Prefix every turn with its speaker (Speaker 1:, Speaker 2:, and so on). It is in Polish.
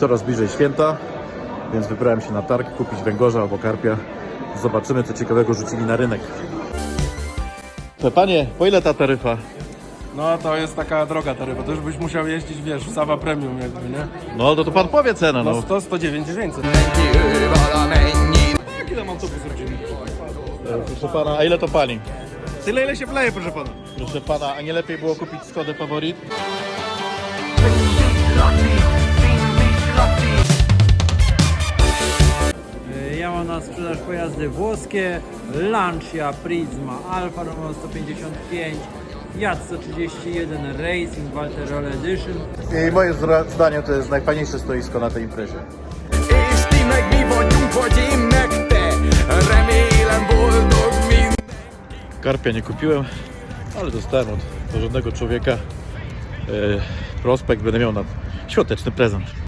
Speaker 1: coraz bliżej święta, więc wybrałem się na targ kupić węgorza albo karpia. Zobaczymy, co ciekawego rzucili na rynek. Panie, po ile ta taryfa?
Speaker 2: No to jest taka droga taryfa, to już byś musiał jeździć, wiesz, w Sava Premium jakby, nie?
Speaker 1: No to pan powie cenę,
Speaker 2: No
Speaker 1: no.
Speaker 2: 100, 109, 900. Jaki tam autobus rodzinny?
Speaker 1: Proszę pana, a ile to pani?
Speaker 2: Tyle ile się wleje, proszę pana.
Speaker 1: Proszę pana, a nie lepiej było kupić Skodę Favorit?
Speaker 3: Ja mam na sprzedaż pojazdy włoskie, Lancia Prisma Alfa Romeo 155, Fiat 131 Racing Valterole Edition.
Speaker 1: I moim zdaniem to jest najfajniejsze stoisko na tej imprezie.
Speaker 4: És ti meg mi vagyunk, vagy én meg te. Remélem boldog mind.
Speaker 1: Karpia nie kupiłem, ale dostałem od porządnego człowieka prospekt, będę miał na świąteczny prezent.